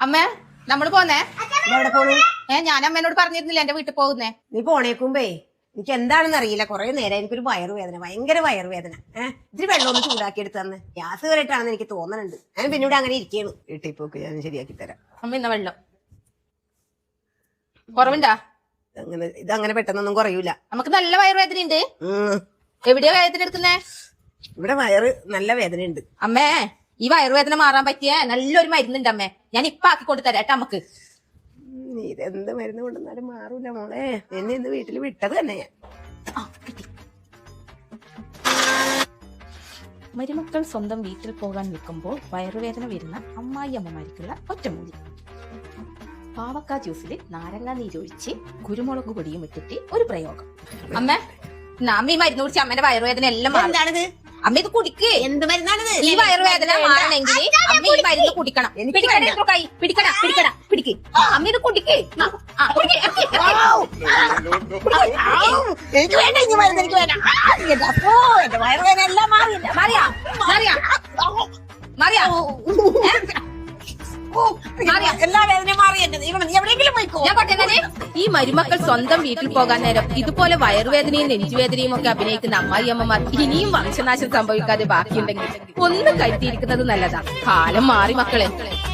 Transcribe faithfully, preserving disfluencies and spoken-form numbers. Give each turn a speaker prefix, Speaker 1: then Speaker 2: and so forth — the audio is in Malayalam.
Speaker 1: അമ്മേ നമ്മള് പോന്നേ.
Speaker 2: എവിടെ പോണു?
Speaker 1: ഏ ഞാൻ അമ്മേനോട് പറഞ്ഞിരുന്നില്ല എന്റെ വീട്ടിൽ പോകുന്നേ.
Speaker 2: നീ പോണേക്കുമ്പേ എനിക്ക് എന്താണെന്ന് അറിയില്ല, കുറെ നേരം എനിക്കൊരു വയറുവേദന, ഭയങ്കര വയറുവേദന. ഏഹ് ഇത്തിരി വെള്ളം ഒന്ന് ചൂടാക്കി എടുത്ത് തന്നെ ഗ്യാസ് കയറിയിട്ടാണെന്ന് എനിക്ക് തോന്നുന്നുണ്ട്. ഞാൻ പിന്നെ ഇവിടെ അങ്ങനെ ഇരിക്കുകയാണ്. വീട്ടിൽ പോക്ക് ഞാൻ ശരിയാക്കി തരാം.
Speaker 1: അമ്മ ഇന്ന വെള്ളം കുറവുണ്ടാ?
Speaker 2: അങ്ങനെ ഇതങ്ങനെ പെട്ടെന്നൊന്നും കുറയൂല.
Speaker 1: നമുക്ക് നല്ല വയറുവേദന ഉണ്ട്.
Speaker 2: ഉം
Speaker 1: എവിടെയാ വേദന എടുക്കുന്നേ?
Speaker 2: ഇവിടെ വയറ് നല്ല വേദനയുണ്ട്.
Speaker 1: അമ്മേ ഈ വയറുവേദന മാറാൻ പറ്റിയ നല്ലൊരു മരുന്നുണ്ട് അമ്മേ, ഞാൻ ഇപ്പൊ ആക്കി കൊണ്ട് തരാം കേട്ടോ അമ്മക്ക്.
Speaker 2: നീ ഇതെന്ത് മരുന്ന് കൊണ്ടുവന്നാലും മാറൂല മോളെ. എന്നെ ഇന്ന് വീട്ടിൽ വിട്ടത് തന്നെ ഞാൻ.
Speaker 1: മരുമക്കൾ സ്വന്തം വീട്ടിൽ പോകാൻ നിൽക്കുമ്പോൾ വയറുവേദന വരുന്ന അമ്മായി അമ്മമാർക്കുള്ള ഒറ്റമൂലി. പാവക്ക ജ്യൂസിൽ നാരങ്ങ നീരൊഴിച്ച് കുരുമുളക് പൊടിയും ഇട്ടിട്ട് ഒരു പ്രയോഗം. അമ്മ അമ്മ ഈ മരുന്ന് കുടിച്ച് അമ്മേന്റെ വയറുവേദന എല്ലാം
Speaker 2: എന്താണിത്?
Speaker 1: അമ്മ ഇത് കുടിക്ക്.
Speaker 2: എന്ത് മരുന്നാണിത്?
Speaker 1: ഈ വയറുവേദന മാറണമെങ്കിൽ അമ്മ ഈ മരുന്ന് കുടിക്കണം. പിടിക്കണ കൈ പിടിക്കണ പിടിക്കണ പിടിക്ക്. അമ്മ ഇത് കുടിക്ക്.
Speaker 2: എനിക്ക് വേണ്ട ഈ മരുന്ന്, എനിക്ക് വേണ്ട. എന്റെ വയറുവേദന എല്ലാം മാറിയില്ല.
Speaker 1: മാറിയാ മാറിയാ മാറിയാ
Speaker 2: എല്ലാ വേദനയും മാറി. എവിടെയെങ്കിലും പോയിക്കോ.
Speaker 1: ഞാൻ പറഞ്ഞേ, ഈ മരുമക്കൾ സ്വന്തം വീട്ടിൽ പോകാൻ നേരം ഇതുപോലെ വയറുവേദനയും നെഞ്ചുവേദനയും ഒക്കെ അഭിനയിക്കുന്ന അമ്മായിയമ്മമാർ ഇനിയും വംശനാശം സംഭവിക്കാതെ ബാക്കിയുണ്ടെങ്കിൽ ഒന്ന് കരുതിയിരിക്കുന്നത് നല്ലതാ. കാലം മാറി മക്കളെ.